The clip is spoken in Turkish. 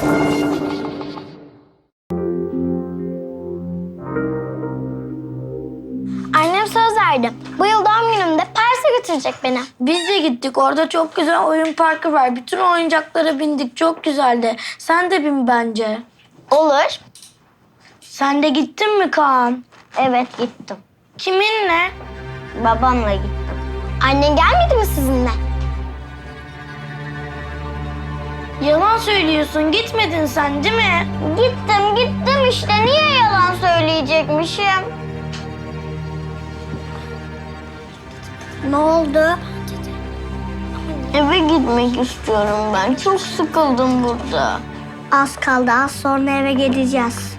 Annem söz verdi. Bu yıl doğum günümde Paris'e götürecek beni. Biz de gittik. Orada çok güzel oyun parkı var. Bütün oyuncaklara bindik. Çok güzeldi. Sen de bin bence. Olur. Sen de gittin mi Kaan? Evet gittim. Kiminle? Babamla gittim. Annen gelmedi mi sizinle? Yalan söylüyorsun. Gitmedin sen değil mi? Gittim işte. Niye yalan söyleyecekmişim? Ne oldu? Eve gitmek istiyorum ben. Çok sıkıldım burada. Az kaldı. Az sonra eve gideceğiz.